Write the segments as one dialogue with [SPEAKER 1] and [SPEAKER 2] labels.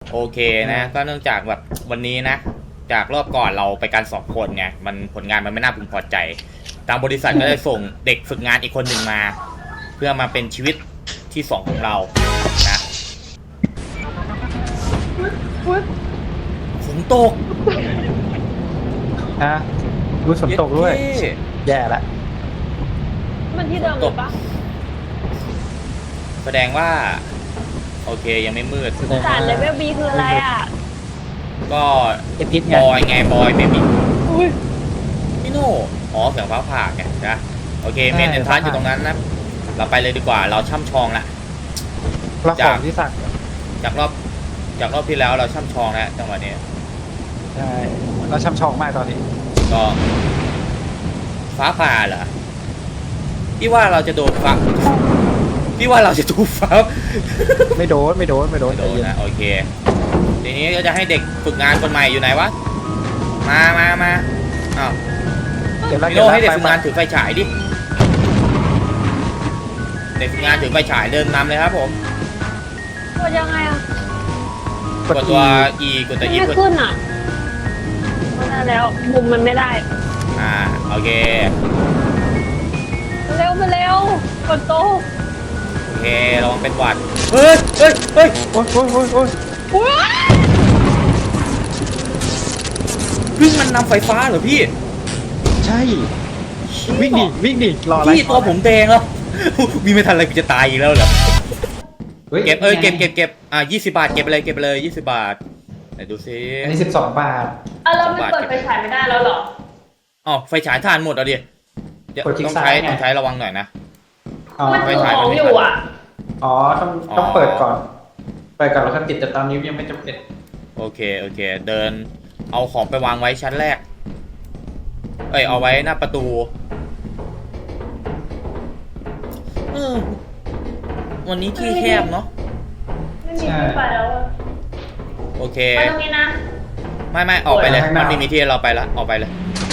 [SPEAKER 1] โอเคนะก็เนื่องจากแบบวันนี้นะจากรอบก่อนเราไปกัน2 คนไงมันผลงานมันไม่น่าพึงพอใจทางบริษัทก็ได้ส่งเด็กฝึกงานอีกคนหนึ่งมา เพื่อมาเป็นชีวิตที่2ของเรานะฝนตก
[SPEAKER 2] ฮะรู้ฝนตกด้วย แย่ละ
[SPEAKER 3] มันที่เดิมหรือปะ
[SPEAKER 1] แสดงว่าโอเคยังไม่มืด
[SPEAKER 3] ด่านเลเวลบีคืออะไรอ่ะ
[SPEAKER 1] ก็
[SPEAKER 2] เอพิษไง
[SPEAKER 1] บอยไงบอยเบบี้
[SPEAKER 3] อุ้ย
[SPEAKER 1] พี่โน่อ๋อเสียงฟ้าผ่าไงนะโอเคเมนเอนทรานอยู่ตรงนั้นนะเราไปเลยดีกว่าเราช่ำชองละ
[SPEAKER 2] แล้วของที่สั่ง
[SPEAKER 1] จากรอบที่แล้วเราช่ำชองแล้วจังหวะนี้
[SPEAKER 2] ใช่เราช่ำชองมากตอนนี้
[SPEAKER 1] ก็ฟ้าผ่าเหรอพี่ว่าเราจะโดนฟ้าพี่ว่าเราจะถูกฟ้า
[SPEAKER 2] ไม่โดน
[SPEAKER 1] ไม่โดน
[SPEAKER 2] ใจเย็น
[SPEAKER 1] นะโอเคทีนี้ก็จะให้เด็กฝึกงานคนใหม่อยู่ไหนวะมาอ้าว
[SPEAKER 2] เดี๋ยวเรา
[SPEAKER 1] พี่โน่ให้เด็กฝึกงานถือไฟฉายดิเด็กฝึกงานถือไฟฉายเดินนำเลยครับผม
[SPEAKER 3] กดยังไงอ่ะ
[SPEAKER 1] กดตัว E กดตัว E
[SPEAKER 3] ไม่ขึ้นอ่ะไม่ได้แล้วมุมมันไม่ได้
[SPEAKER 1] โอเค
[SPEAKER 3] เร็วมาเร็วกดโตะ
[SPEAKER 1] โอเคระวังเป็นหวัดเฮ้ย
[SPEAKER 2] โอ๊ยโอ๊ย
[SPEAKER 3] อุ้ย
[SPEAKER 1] วิ่งมันนำไฟฟ้าเหรอพี่
[SPEAKER 2] ใช่ วิ่งดิรออะไร
[SPEAKER 1] พี่ตัวผมแดงแล้ว วิ่งไม่ทันอะไรกูจะตายอีกแล้วเหรอเก็บเก็บ20 บาทเก็บไปเลย20 บาทไหนดูซิ
[SPEAKER 2] อันนี้12 บาท
[SPEAKER 3] เราไม่เปิดไฟฉายไม่ได้แล้วเหรอ
[SPEAKER 1] อ๋อไฟฉายถ่านหมดเอาดิเดี๋ยว
[SPEAKER 2] กดคลิก
[SPEAKER 1] ต้อง
[SPEAKER 2] ซ้าย
[SPEAKER 1] ใช้
[SPEAKER 2] ไง
[SPEAKER 1] ต้องใช้ระวังหน่อยนะ
[SPEAKER 2] อ๋อ
[SPEAKER 3] มัน
[SPEAKER 1] ไฟ
[SPEAKER 3] ถือ
[SPEAKER 1] ฉาย
[SPEAKER 3] ข
[SPEAKER 1] มั
[SPEAKER 3] อน ง
[SPEAKER 1] ไม่
[SPEAKER 3] อยู่อ่ะ
[SPEAKER 2] อ๋อต้องเปิดก่อนแล้วก็ติดแต่ตอนนี้ยังไม่จำเป็น
[SPEAKER 1] โอเคเดินเอาของไปวางไว้ชั้นแรกเอาไว้หน้าประตูวันนี้ที่แคบเนาะ
[SPEAKER 3] ไม่มีที่ไปแล้วอะ
[SPEAKER 1] โอเค
[SPEAKER 3] ไปตรงนี้นะ
[SPEAKER 1] ไม่ออกไปเลยมันไม่มีที่เราไปแล้วออกไปเลย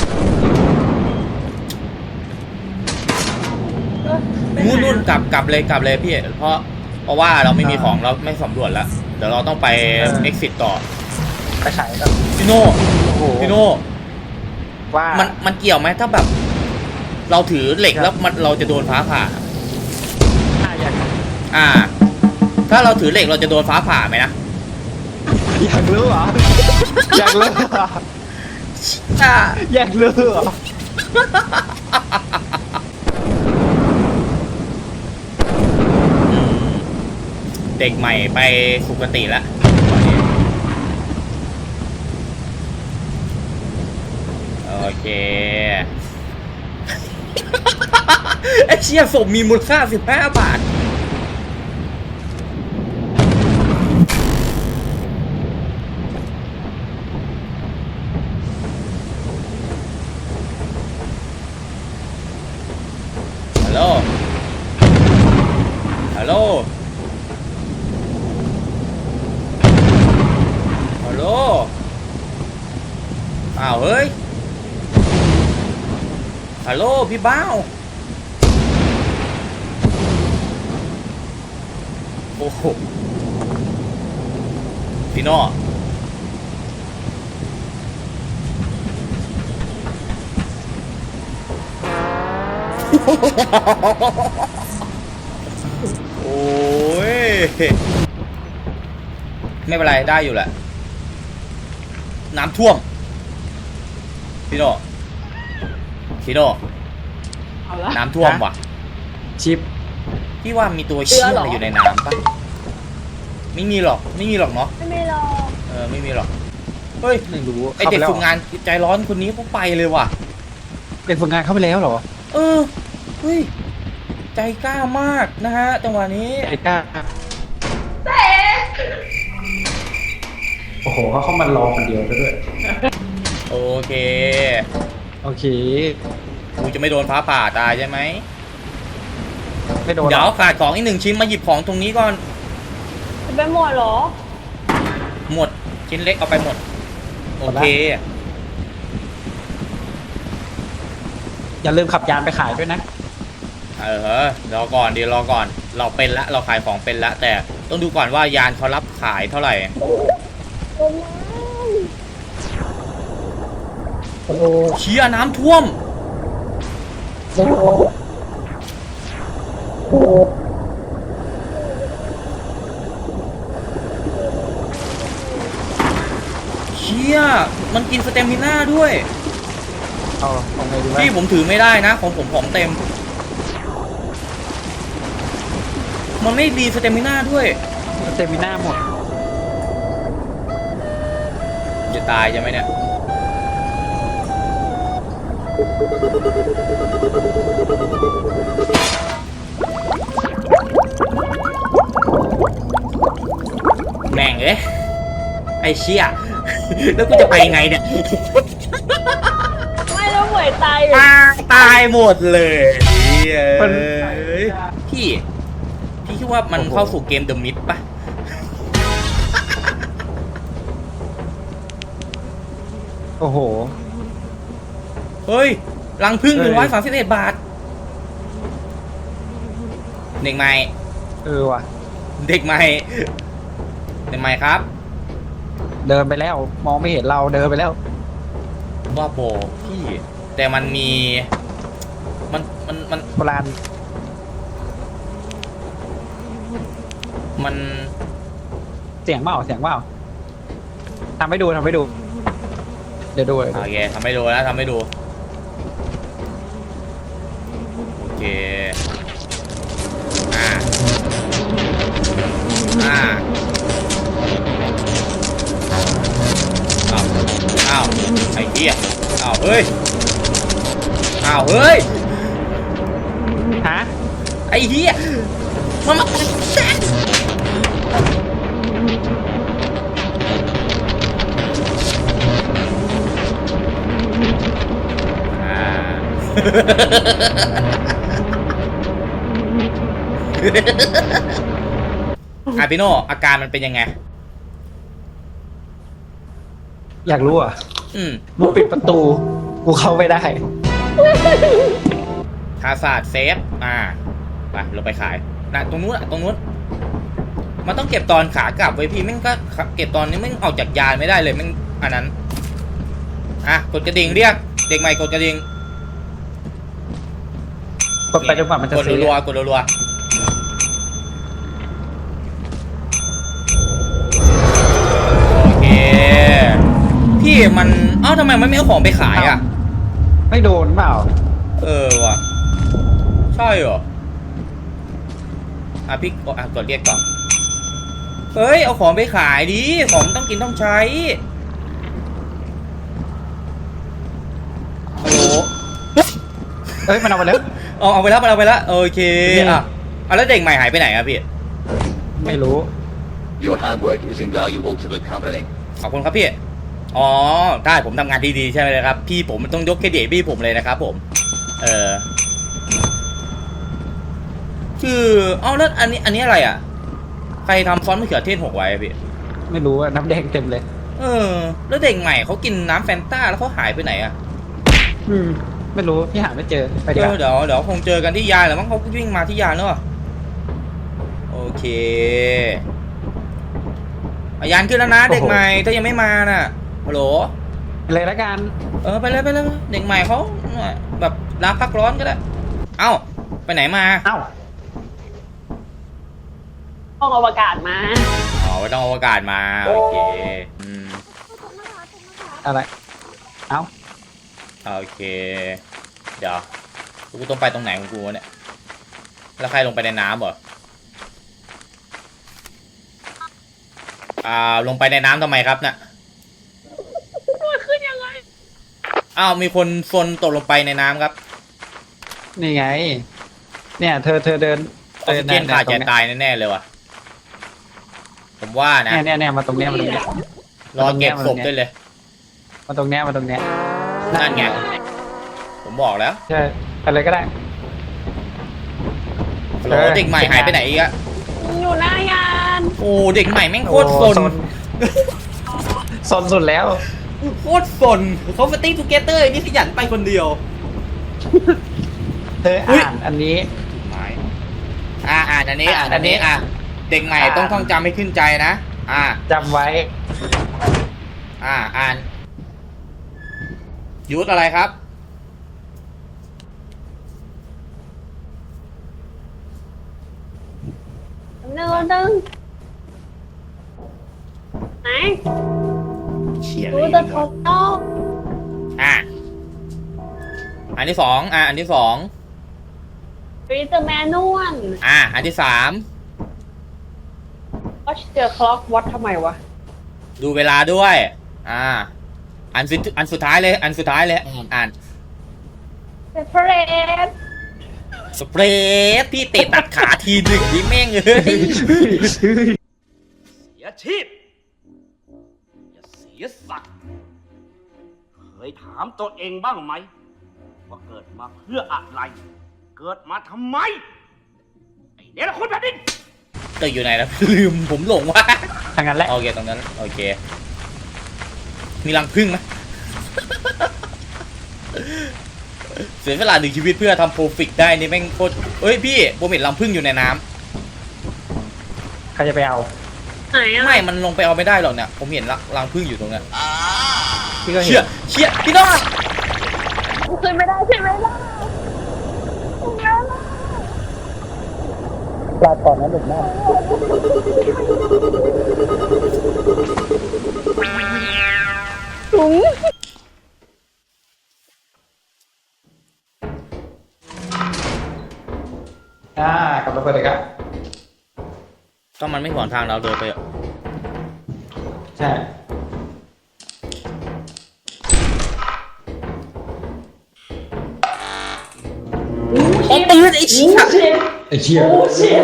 [SPEAKER 1] นู่นกลับเลยพี่เพราะว่าเราไม่มีของเราไม่สำรวจแล้วเดี๋ยวเราต้องไป exit ต่อ
[SPEAKER 2] ไปฉายก็
[SPEAKER 1] พี่โน่
[SPEAKER 2] โอ้โห
[SPEAKER 1] พี่โน่
[SPEAKER 2] ว่า
[SPEAKER 1] มันเกี่ยวไหมถ้าแบบ เราถือเหล็กแล้วเราจะโดนฟ้าผ่า ถ้าเราถือเหล็กเราจะโดนฟ้าผ่าไหมนะ
[SPEAKER 2] อยากรู้เหรออยากรู้เหรออยากรู้เหรอ
[SPEAKER 1] เด็กใหม่ไปสุคติแล้วตอนนี้โอเคไอ้เชี่ยศพมีมูลค่า15 บาทฮัลโหลอ้าวเฮ้ยฮัลโหลพี่บ้าวโอ้โหพี่โน่โอ้ยไม่เป็นไรได้อยู่แหละน้ำท่วมพี่โน่น้ำท่วมว่ะ
[SPEAKER 2] ชิป
[SPEAKER 1] พี่ว่ามีตัวเชี่ยอะไรอยู่ในน้ำปะไม่มีหรอกเนาะ
[SPEAKER 3] ไม่มีหรอก
[SPEAKER 1] ไม่มีหรอกเฮ้ย
[SPEAKER 2] ไม่รู้
[SPEAKER 1] ไอเด็กฝึกงานใจร้อนคนนี้เขาไปเลยว่ะ
[SPEAKER 2] เด็กฝึกงานเข้าไปแล้วเหรอ
[SPEAKER 1] เฮ้ยใจกล้ามากนะฮะจังหวะนี้
[SPEAKER 2] ไอ้ก้าโอ้โหเขาเข้ามารอคนเดียวด้วย
[SPEAKER 1] โอเค
[SPEAKER 2] โอเค
[SPEAKER 1] กูจะไม่โดนฟ้าผ่าตายใช่ไหม
[SPEAKER 2] ไม่โดน
[SPEAKER 1] เดี๋ยวขาดของอีก1 ชิ้นมาหยิบของตรงนี้ก่อน
[SPEAKER 3] จะไปหมดเหรอ
[SPEAKER 1] หมดชิ้นเล็กเอาไปหมดโอเค
[SPEAKER 2] อย่าลืมขับยานไปขายด้วยนะ
[SPEAKER 1] รอก่อนเราเป็นละเราขายของเป็นละแต่ต้องดูก่อนว่ายานเขารับขายเท่าไหร่
[SPEAKER 2] โอ้โห
[SPEAKER 1] เชี่ยน้ำท่วม
[SPEAKER 2] โอ้โห
[SPEAKER 1] เชี่ยมันกินสเตมิน่าด้วย
[SPEAKER 2] เอาไงดีวะ
[SPEAKER 1] พี่ผมถือไม่ได้นะ ของผมของเต็ม มันไม่ดีสเตมิน่าด้วย
[SPEAKER 2] เซมิน่าหมด
[SPEAKER 1] จะตายใช่ไหมเนี่ย แม่งเอ้ยไอ้เชี่ย แล้วกูจะไปไงเนี่ย
[SPEAKER 3] ไม่แล้วเหมยตายอยู่
[SPEAKER 1] ตายหมดเลยเอ้ยพี่คิดว่ามันเข้าสู่เกมเดอะมิดปะ
[SPEAKER 2] โอ้โห
[SPEAKER 1] เฮ้ยรังพึ่ง
[SPEAKER 2] เฮ้ย
[SPEAKER 1] 131 บาท เด็กใหม่
[SPEAKER 2] ว่ะ
[SPEAKER 1] เด็กใหม่ครับ
[SPEAKER 2] เดินไปแล้ว มองไม่เห็นเราเดินไปแล้ว
[SPEAKER 1] ว่าโบพี่ แต่มันมี มัน
[SPEAKER 2] โบราณ
[SPEAKER 1] มัน
[SPEAKER 2] เสียงเปล่าทำให้ดูเดี๋ยวดูเลย
[SPEAKER 1] โอเคทำให้ดูนะทำให้ดู โอเคอ้าวไอ้เหี้ยอ้าวเฮ้ย
[SPEAKER 2] ฮะ
[SPEAKER 1] ไอ้เหี้ยมาพี่โน่อาการมันเป็นยังไง
[SPEAKER 2] อยากรู้อ่ะ
[SPEAKER 1] มึง
[SPEAKER 2] ปิดประตู กูเข้าไม่ได้
[SPEAKER 1] ทาศาสตร์เซฟไปเราไปขายนะตรงนู้นมันต้องเก็บตอนขากลับไว้พี่แม่งก็เก็บตอนนี้แม่งออกจากยานไม่ได้เลยแม่งอันนั้นกดกระดิ่งเรียกเด็กใหม่กดกระดิ่ง
[SPEAKER 2] กดไปจนกว่ามันจะ
[SPEAKER 1] กดรัวๆกดรัวๆโอเคพี่มันทำไมมันไม่เอาของไปขายอ่ะ
[SPEAKER 2] ไม่โดนเปล่า
[SPEAKER 1] ว่ะใช่เหรอพี่กดเรียกก่อนเฮ้ยเอาของไปขายดิของมันต้องกินต้องใช้ฮัลโหล
[SPEAKER 2] เอ้ยมันเอาไปแล้ว
[SPEAKER 1] เอาไปแล้วโอเคแล้วเด็กใหม่หายไปไหนอะพี่
[SPEAKER 2] ไม่รู้
[SPEAKER 4] Your hard work is invaluable to the company.
[SPEAKER 1] ขอบคุณครับพี่ได้ผมทำงานที่ดีใช่ไหมครับพี่ผมต้องยกเครดิตพี่ผมเลยนะครับผมคือแล้วอันนี้อะไรอ่ะใครทำซอสมะเขือเทศหกไว้พี่
[SPEAKER 2] ไม่รู้อะน้ำแดงเต็มเลย
[SPEAKER 1] แล้วเด็กใหม่เขากินน้ำแฟนต้าแล้วเขาหายไปไหนอ่ะ
[SPEAKER 2] ไม่รู้พี่หาไม่เจอไปดีกว่า
[SPEAKER 1] เดี๋ยวคงเจอกันที่ยานแหละมั้งเขาวิ่งมาที่ยานเนอะโอเคยานขึ้นแล้วนะเด็กใหม่ถ้ายังไม่มาน่ะฮัลโหล
[SPEAKER 2] เลยละกัน
[SPEAKER 1] ไปเลยเด็กใหม่เขาแบบลาพักร้อนก็ได้ไปไหนมา
[SPEAKER 3] ห้องอวกาศมา
[SPEAKER 1] ไปต้องอวกาศมาโอเค
[SPEAKER 2] อะไร
[SPEAKER 1] โอเคเดี๋ยวกูต้องไปตรงไหนของกูเนี่ยแล้วใครลงไปในน้ำเหรอลงไปในน้ำทำไมครับน่ะ
[SPEAKER 3] มันขึ้นยังไง
[SPEAKER 1] มีคนซนตกลงไปในน้ำครับ
[SPEAKER 2] นี่ไง เนี่ยเธอเดิน
[SPEAKER 1] ออกซิเจนขาดใจตายแน่ๆเลยว่ะผมว่านะ
[SPEAKER 2] เนี่ยมาตรงเนี้ย
[SPEAKER 1] รอเก็บศพด้วยเลย
[SPEAKER 2] มาตรงเนี้ย
[SPEAKER 1] นั่นไงผมบอกแล้ว
[SPEAKER 2] ใช่อะไรก็ได้
[SPEAKER 1] โหเด็กใหม่หายไปไหนอีกอะ
[SPEAKER 3] อยู่หน้ายาน
[SPEAKER 1] โอ้เด็กใหม่แม่งโคตรซน
[SPEAKER 2] ซนสุดแล้ว
[SPEAKER 1] โคตรซนเขามาติ้งทูเกเตอร์นี่ขยันไปคนเดียว
[SPEAKER 2] เธออ่านอันนี้
[SPEAKER 1] อ่านอันนี้เด็กใหม่ต้องท่องจำให้ขึ้นใจนะ
[SPEAKER 2] จำไว้
[SPEAKER 1] อ่านยุทธอะไรครับ
[SPEAKER 3] หนึ่งไหน
[SPEAKER 1] เฉียด
[SPEAKER 3] ดู
[SPEAKER 1] เลย
[SPEAKER 3] จะทดลอง
[SPEAKER 1] อันที่สองอันที่สอง
[SPEAKER 3] รีเดอร์แมนนวล
[SPEAKER 1] อันที่สาม
[SPEAKER 3] watch the clock วัดทำไมวะ
[SPEAKER 1] ดูเวลาด้วยอันสุดท้ายเลย อ่าน
[SPEAKER 3] separate
[SPEAKER 1] สเปรย์พี่เตะตัดขาทีหนึ่งนี่แม่งเอ้ย
[SPEAKER 5] เสียชีพอย่าเสียสัตว์เคยถามตัวเองบ้างไหม ว่าเกิดมาเพื่ออะไร เกิดมาทำไม ไอ้เนรคุณแผ่นดิน
[SPEAKER 1] ตึกอยู่ไหนแล้ว ลืมผมหลงว่า
[SPEAKER 2] ทางนั้นแหละ
[SPEAKER 1] โอเคตรงนั้นโอเค มีรังผึ้งไหม เสียเวลาหนึ่งชีวิตเพื่อทำโปรฟิกได้นี่แม่งโคตรเอ้ยพี่ผมเห็นรังผึ้งอยู่ในน้ำ
[SPEAKER 2] ใครจะไปเอา
[SPEAKER 3] ไหนอะ
[SPEAKER 1] ไม่มันลงไปเอาไม่ได้หรอกเนี่ยผมเห็นรังผึ้งอยู่ตรงนั้น
[SPEAKER 2] พี่ก็เห็
[SPEAKER 1] เชี่ย
[SPEAKER 2] น
[SPEAKER 1] เชี่ยพี่น้อง
[SPEAKER 3] ขึ้นไม่ได้ใช่ไหมล่ะ
[SPEAKER 2] ลาก่อนนะเด็กหน้า
[SPEAKER 3] ถุง
[SPEAKER 2] กลับมาเปิดเลยครับ
[SPEAKER 1] ต้องมันไม่ขวางทางเราเดินไปอะ
[SPEAKER 2] ใช่
[SPEAKER 1] โอ้ปืนไอ้เชี่ย
[SPEAKER 2] ไอ้เชี่ย
[SPEAKER 1] เชี่ย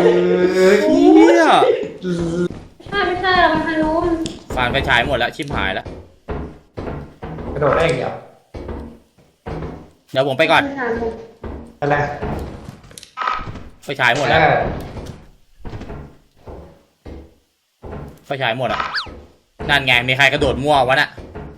[SPEAKER 3] ไม่ใช่เราไปทางนู้น
[SPEAKER 1] ฟานไปฉายหมดแล้วชิมหายแล้ว
[SPEAKER 2] กระโดดได้อย่างเดียว
[SPEAKER 1] เดี๋ยวผมไปก่อน
[SPEAKER 2] อะไร
[SPEAKER 1] ไฟฉายหมดแล้วไฟฉายหมดอ่ะนั่นไงมีใครกระโดดมั่ววะน่ะ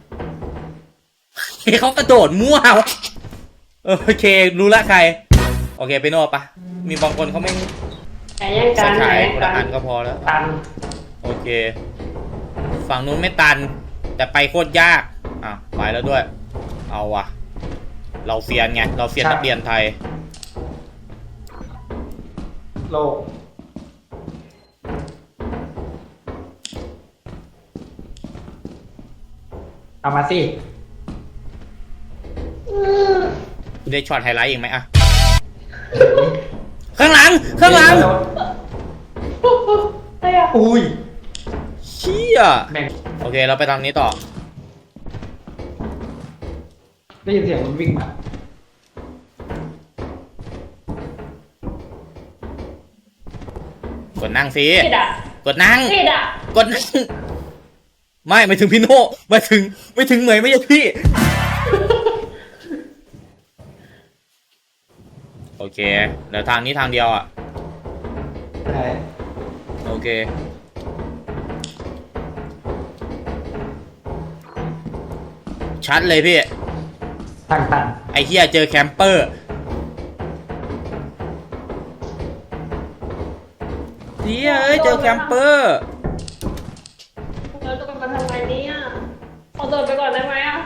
[SPEAKER 1] เขากระโดดมั่ววะโอเครู้ละใครโอเคไปโน่ปะมีบางคนเขาไม่
[SPEAKER 3] แต่ยัง
[SPEAKER 1] ไฟ
[SPEAKER 3] การ
[SPEAKER 1] ฉาย
[SPEAKER 3] แต่
[SPEAKER 1] คน
[SPEAKER 3] กั
[SPEAKER 1] ละอั
[SPEAKER 3] น
[SPEAKER 1] นก็พอแล้ว
[SPEAKER 2] ตัน
[SPEAKER 1] โอเคฝั่งนู้นไม่ตันแต่ไปโคตรยากไปแล้วด้วยเอาวะเราเซียนไงเราเซียนนักเรียนไทย
[SPEAKER 2] โลกเอามาสิ
[SPEAKER 1] คุณได้ช็อตไฮไลท์อีกไหมอะข้างหลัง
[SPEAKER 2] อุ้ย
[SPEAKER 1] เชี่ย
[SPEAKER 2] แม่ง
[SPEAKER 1] โอเคเราไปทางนี้ต่อ
[SPEAKER 2] ได้ยินเสียงมันวิ่งมาก
[SPEAKER 1] ดนั่งสิ
[SPEAKER 3] ผิดอ่ะ
[SPEAKER 1] กดนั่ง
[SPEAKER 3] ผิดอ่ะ
[SPEAKER 1] กดนั่งไม่ถึงพี่โน่ไม่ถึงเหมยไม่ใช่พี่ โอเคเดี๋ยวทางนี้ทางเดียวอ่ะ
[SPEAKER 2] ใช่
[SPEAKER 1] โอเคชัดเลยพี่
[SPEAKER 2] ตัน
[SPEAKER 1] ไอ้เหี้ยเจอแคมเปอร์เหี้ยเอ้ยเจอแคมเปอร์
[SPEAKER 3] เราจะไปทำไงเนี่ยขอโดดไปก่อนได้ไหมอ่ะ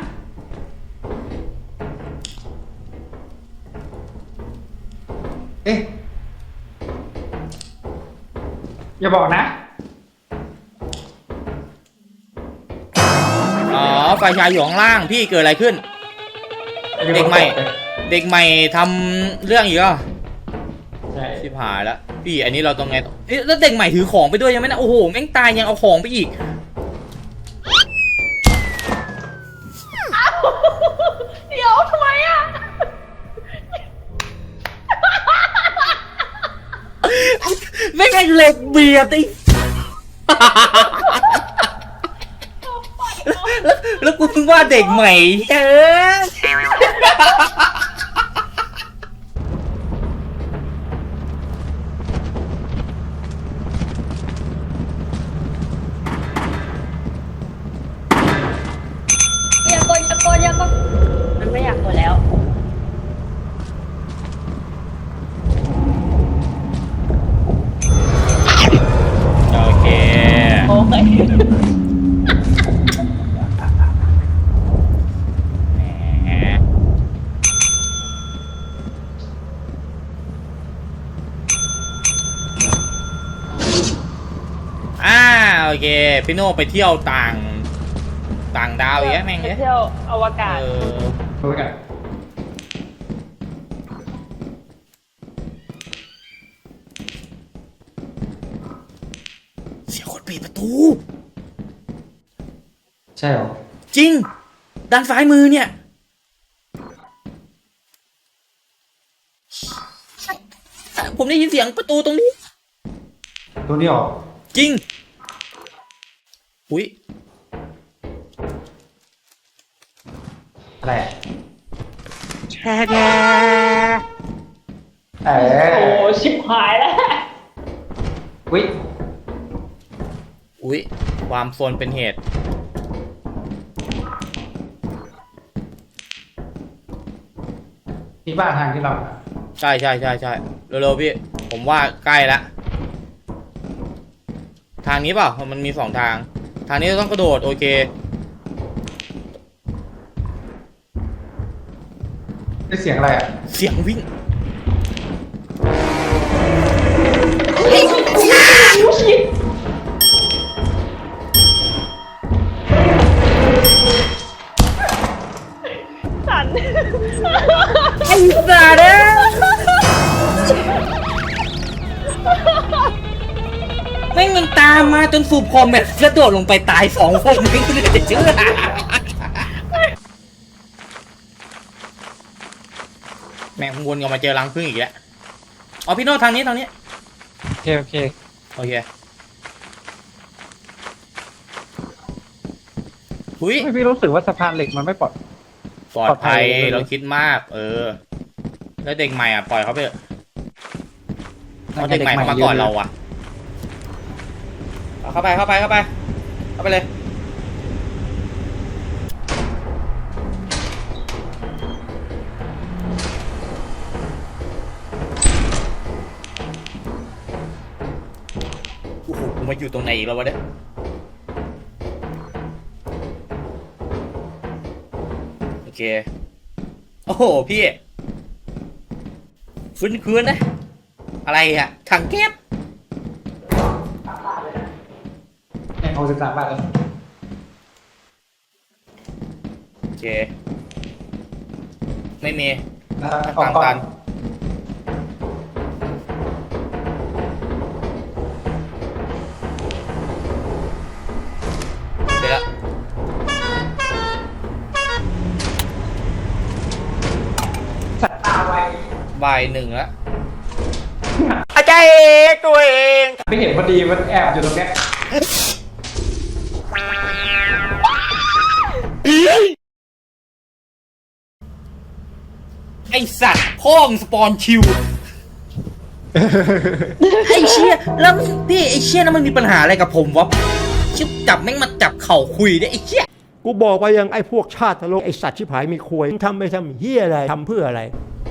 [SPEAKER 2] เอ๊ะอย่าบอกนะ
[SPEAKER 1] อ๋อไฟฉายอยู่ข้างล่างพี่เกิดอะไรขึ้น เด็กใหม่ทำเรื่องอีกอ่ะ
[SPEAKER 2] ใช่
[SPEAKER 1] ชิบหายแล้วพี่อันนี้เราต้องไงต่อเอ๊ะแล้วเด็กใหม่ถือของไปด้วยยังไหมนะโอ้โหแม่งตายยังเอาของไปอีก
[SPEAKER 3] เดี๋ยวทำไมอ่ะ
[SPEAKER 1] แม่งไอ้เหล็กเบียดไอ้ แล้วกูเพิ่งว่าเด็กใหม่เฮ้ย
[SPEAKER 3] อย่ากดมันไม่อยากกดแล้ว
[SPEAKER 1] แหมโอเคพี่โน่ไปเที่ยวต่างดาวอย่างเงี้ยแม่ง
[SPEAKER 3] ไป
[SPEAKER 1] เนี่ย
[SPEAKER 3] เที่ยวอวกาศ
[SPEAKER 2] รู้กัน
[SPEAKER 1] เสียงคนปิดประตู
[SPEAKER 2] ใช่เหรอ
[SPEAKER 1] จริง ด้านซ้ายมือเนี่ย ผมได้ยินเสียงประตูตรงนี้
[SPEAKER 2] ตัวนี้เหรอ
[SPEAKER 1] จริง อุ้ย
[SPEAKER 2] อะไรอะ
[SPEAKER 1] แช่แด
[SPEAKER 3] โอ้ชิบหายแล้ว
[SPEAKER 2] วิ
[SPEAKER 1] อุ้ยความโซนเป็นเหตุ
[SPEAKER 2] ที่บ้านทางที่เรา
[SPEAKER 1] ใช่เร็วๆพี่ ผมว่าใกล้ละทางนี้เปล่ามันมี2 ทาง ทางนี้ต้องกระโดด โอเค
[SPEAKER 2] ได้เสียงอะไรอ่ะ
[SPEAKER 1] เสียงวิ่ง
[SPEAKER 3] สัน
[SPEAKER 1] ไอ้สัตว์เนี่ยแม่งยังตามมาจนสูบคอมแบบกระโดดลงไปตาย2 คนไม่รู้จะเชื่อแม่งวนกลับมาเจอรังผึ้งอีกแล้วอ๋อพี่โน้ตทางนี้
[SPEAKER 2] โอเค
[SPEAKER 1] โอเคหุย
[SPEAKER 2] ไม่พี่รู้สึกว่าสะพานเหล็กมันไม่ปลอด
[SPEAKER 1] ปลอดภัย
[SPEAKER 2] ปลอดภัย
[SPEAKER 1] เราคิดมาก แล้วเด็กใหม่อ่ะปล่อยเขาไปเถอะเพราะเด็กใหม่เขามาก่อนเราอ่ะเอาเข้าไปเลยโอ้โหกูมาอยู่ตรงไหนอีกแล้ววะเนี่ยโอเคโอ้โหพี่ฟื้นๆนะ อะไรอ่ะถังแก๊ส
[SPEAKER 2] เนี่ย63 บาทแล้ว
[SPEAKER 1] โอเค ไม่มี
[SPEAKER 2] ออกก่อน
[SPEAKER 1] เดี๋ยวละบ่าย1แล้วอาจารย์ตัวเอง
[SPEAKER 2] ไม่เห็นพอดีมันแอบอยู่ตรงเนี้ย
[SPEAKER 1] ไอสัตว์พ่องสปอนคิว ไอเชี่ยแล้วพี่ไอเชี่ยนั้นมันมีปัญหาอะไรกับผมวะชิบจับแม่งมาจับเข่าคุยได้ไอเชี่ย
[SPEAKER 6] กูบอกไปยังไอ้พวกชาติทะลกไอ้สัตว์ชิบหายมีควยทำไปทำเฮียอะไรทำเพื่ออะไร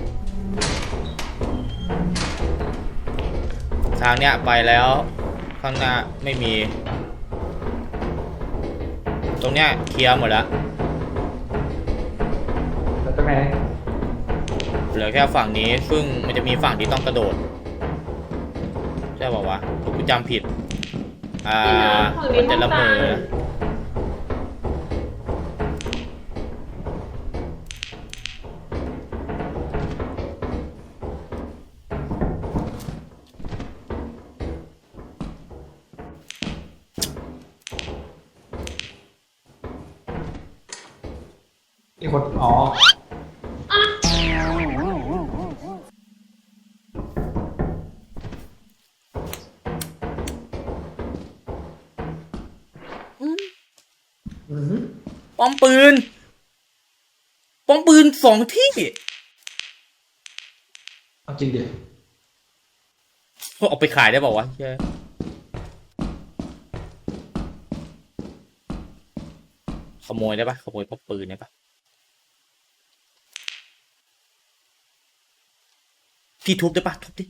[SPEAKER 1] ทางเนี้ยไปแล้วข้างหน้าไม่มี ตรงเนี้ยเคลียร์หมดแล้ว
[SPEAKER 2] แล้วตรงไหน
[SPEAKER 1] เหลือแค่ฝั่งนี้ซึ่งมันจะมีฝั่งที่ต้องกระโดดใช่ป่าวะกูจำผิดมันจะละเมอ
[SPEAKER 2] มีคนอ๋อ
[SPEAKER 1] ป้อมปืน2 ที่
[SPEAKER 2] เอาจริงดิ
[SPEAKER 1] เอาไปขายได้ป่าวะใช่ขโมยได้ปะขโมยป้อมปืนได้ปะพี่ทุบได้ปะทุบดิ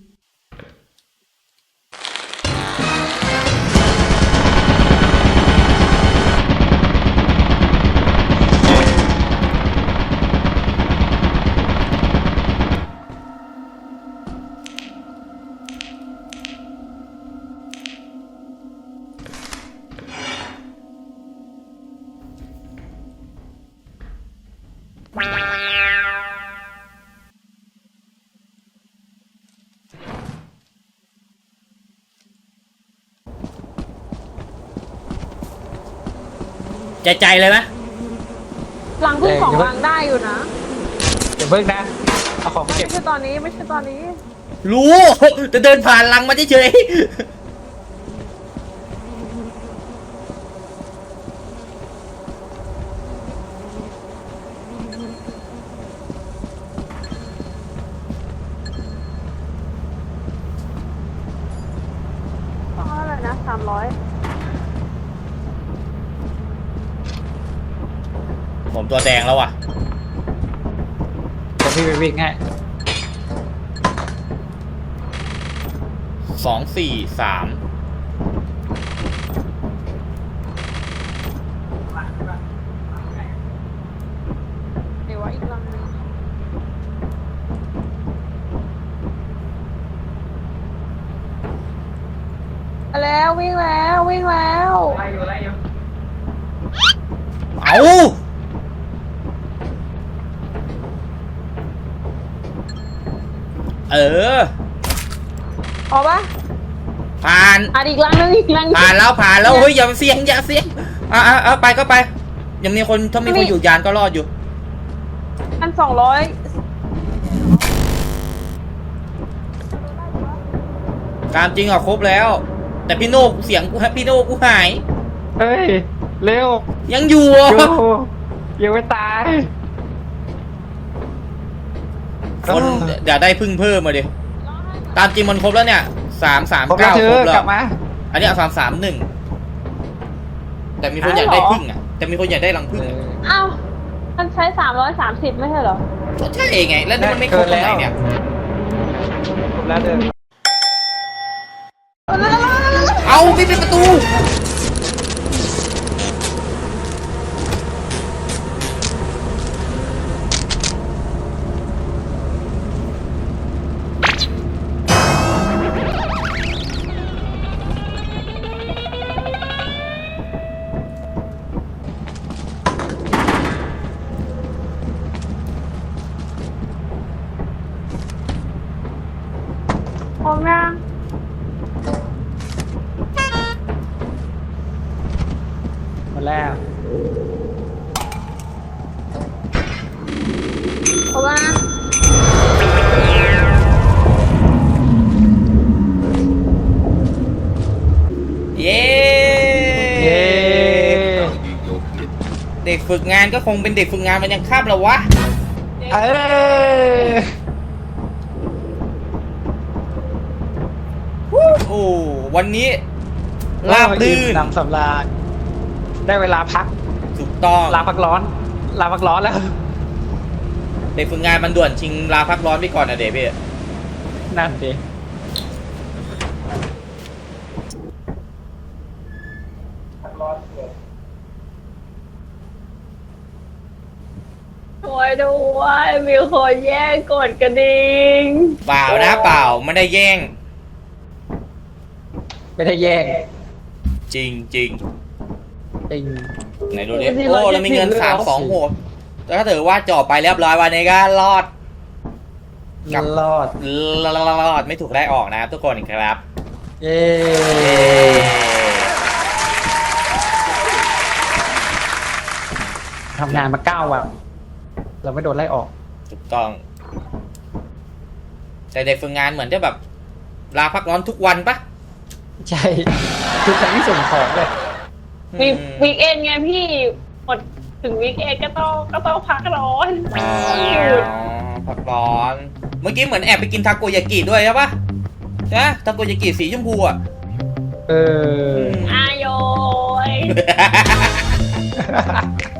[SPEAKER 1] ใจเลยไหม
[SPEAKER 3] ลังเพิ่งของลังได้อยู่นะ
[SPEAKER 2] เดี๋ยวเพิ่งนะเอาของ
[SPEAKER 3] ไม่
[SPEAKER 2] เก็บ
[SPEAKER 3] ใช่ตอนนี้ไม่ใช่ตอนนี้
[SPEAKER 1] รู้จะเดินผ่านลังมาเฉย
[SPEAKER 3] ต้องเท่าไหร่นะ300
[SPEAKER 1] ๆผมตัวแดงแล้วอ่ะ
[SPEAKER 2] เดี๋ยวพี่ไปวิ่งให้
[SPEAKER 1] 243
[SPEAKER 3] เดี๋ยวว่าอีกลังนึงมาแล้ววิ่งแล้ววิ่งแล้ว
[SPEAKER 1] เอาเออ
[SPEAKER 3] พอปะ
[SPEAKER 1] ผ่าน
[SPEAKER 3] อีกลังนึงอีกลังนึง
[SPEAKER 1] ผ่านแล้วเฮ้ยอย่าเสียงไปก็ไปยังมีคนถ้ามีคนอยู่ยานก็รอดอยู่
[SPEAKER 3] อัน200
[SPEAKER 1] ตามจริงอ่ะครบแล้ว แต่พี่โน่เสียงพี่โน่กูหาย
[SPEAKER 2] เฮ้ยเร็ว
[SPEAKER 1] ยังอยู่
[SPEAKER 2] โยยังไม่ตาย
[SPEAKER 1] คนอย่าได้พึ่งเพิ่มมาดิตามจริงมันครบแล้วเนี่ย339
[SPEAKER 2] ครบแล้วเธ
[SPEAKER 1] ครบ
[SPEAKER 2] อก
[SPEAKER 1] แล้
[SPEAKER 2] ลั
[SPEAKER 1] ว
[SPEAKER 2] บมา
[SPEAKER 1] อันนี้เอา331แต่มีคนอยากได้พึ่งอ่ะแต่มีคนอยากได้รังพึ่งอะ
[SPEAKER 3] อ้าวมันใช้330ไม่ใช่เหรอ
[SPEAKER 1] ก็ใช่ไงแล้วนี่มันไม่ครบตรงไหนเนี่ย
[SPEAKER 2] ครบแล้วเดิน
[SPEAKER 1] เอาไม่เป็นประตู
[SPEAKER 3] พร้อมยัง
[SPEAKER 2] หมดแล้ว
[SPEAKER 3] พร้อมยัง
[SPEAKER 1] เย้
[SPEAKER 2] เย้
[SPEAKER 1] เด็กฝึกงานก็คงเป็นเด็กฝึกงานมันยังข้ามแล้ววะ
[SPEAKER 2] เอ้ย
[SPEAKER 1] โอ้วันนี้ราบลื่น
[SPEAKER 2] นำสำราญได้เวลาพัก
[SPEAKER 1] ถูกต้อง
[SPEAKER 2] ลาพักร้อนลาพักร้อนแล้ว
[SPEAKER 1] เด็กฝึกงานมันด่วนชิงลาพักร้อนไปก่อนนะเด็กพี่
[SPEAKER 2] นั่นดิ
[SPEAKER 3] โอ้ยด้วยมีคนแย่งกดกระดิ่ง
[SPEAKER 1] เปล่านะเปล่าไม่ได้แย่ง
[SPEAKER 2] ไม่ได้แย่ง
[SPEAKER 1] จริง
[SPEAKER 2] จริง
[SPEAKER 1] ไหนดูดิโอ้เรามีเงิน326แต่ถ้าถือว่าจ่อไปเรียบร้อยวันนี้ก็รอด กับ
[SPEAKER 2] รอด
[SPEAKER 1] รอดไม่ถูกได้ออกนะครับทุกคนครับ
[SPEAKER 2] เย้ทำงานมา9 วันเราไม่โดนไล่ออก
[SPEAKER 1] ถูกต้อง แต่เด็กฝึกงานเหมือนจะแบบ ลาพักร้อนทุกวันปะ
[SPEAKER 2] ใช่ทุกครั้งที่ส่งของเลย
[SPEAKER 3] วีคเอนไงพี่หมดถึงวีคเอนก็ต้องพักร้อน
[SPEAKER 1] อ๋อพักร้อน เมื่อกี้เหมือนแอบไปกินทาโกยากิด้วยใช่ปะใช่ทาโกยากิสีชมพูอ่ะ
[SPEAKER 2] เออ
[SPEAKER 3] อายโยย